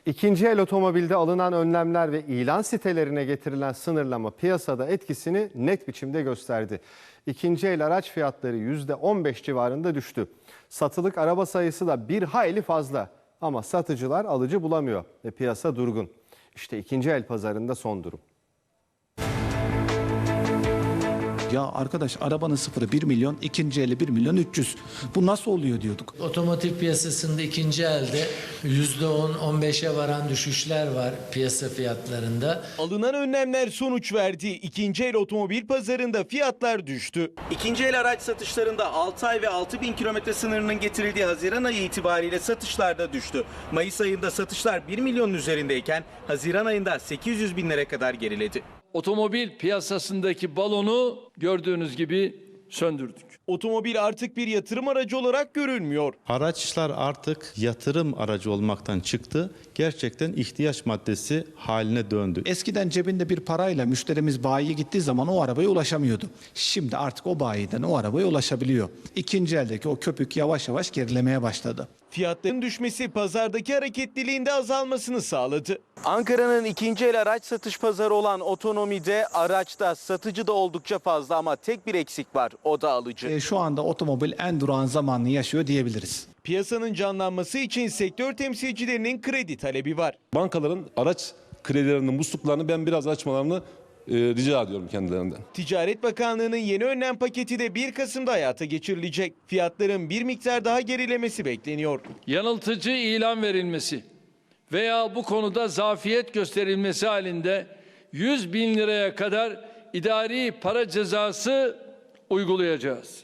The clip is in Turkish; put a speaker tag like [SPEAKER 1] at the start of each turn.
[SPEAKER 1] İkinci el otomobilde alınan önlemler ve ilan sitelerine getirilen sınırlama piyasada etkisini net biçimde gösterdi. İkinci el araç fiyatları %15 civarında düştü. Satılık araba sayısı da bir hayli fazla ama satıcılar alıcı bulamıyor ve piyasa durgun. İşte ikinci el pazarında son durum.
[SPEAKER 2] Ya arkadaş arabanın sıfırı 1 milyon, ikinci eli 1 milyon 300. Bu nasıl oluyor diyorduk.
[SPEAKER 3] Otomotiv piyasasında ikinci elde %10-15'e varan düşüşler var piyasa fiyatlarında.
[SPEAKER 4] Alınan önlemler sonuç verdi. İkinci el otomobil pazarında fiyatlar düştü. İkinci el araç satışlarında 6 ay ve 6.000 kilometre sınırının getirildiği Haziran ayı itibariyle satışlar da düştü. Mayıs ayında satışlar 1 milyonun üzerindeyken Haziran ayında 800 binlere kadar geriledi.
[SPEAKER 5] Otomobil piyasasındaki balonu gördüğünüz gibi söndürdük.
[SPEAKER 4] Otomobil artık bir yatırım aracı olarak görülmüyor.
[SPEAKER 6] Araçlar artık yatırım aracı olmaktan çıktı. Gerçekten ihtiyaç maddesi haline döndü.
[SPEAKER 2] Eskiden cebinde bir parayla müşterimiz bayiye gittiği zaman o arabaya ulaşamıyordu. Şimdi artık o bayiden o arabaya ulaşabiliyor. İkinci eldeki o köpük yavaş yavaş gerilemeye başladı.
[SPEAKER 4] Fiyatların düşmesi pazardaki hareketliliğin de azalmasını sağladı. Ankara'nın ikinci el araç satış pazarı olan Otonomi'de araçta satıcı da oldukça fazla ama tek bir eksik var, o da alıcı.
[SPEAKER 2] Şu anda otomobil en durağan zamanını yaşıyor diyebiliriz.
[SPEAKER 4] Piyasanın canlanması için sektör temsilcilerinin kredi talebi var.
[SPEAKER 7] Bankaların araç kredilerinin musluklarını ben biraz açmalarını rica ediyorum kendilerinden.
[SPEAKER 4] Ticaret Bakanlığı'nın yeni önlem paketi de 1 Kasım'da hayata geçirilecek. Fiyatların bir miktar daha gerilemesi bekleniyor.
[SPEAKER 5] Yanıltıcı ilan verilmesi veya bu konuda zafiyet gösterilmesi halinde 100 bin liraya kadar idari para cezası uygulayacağız.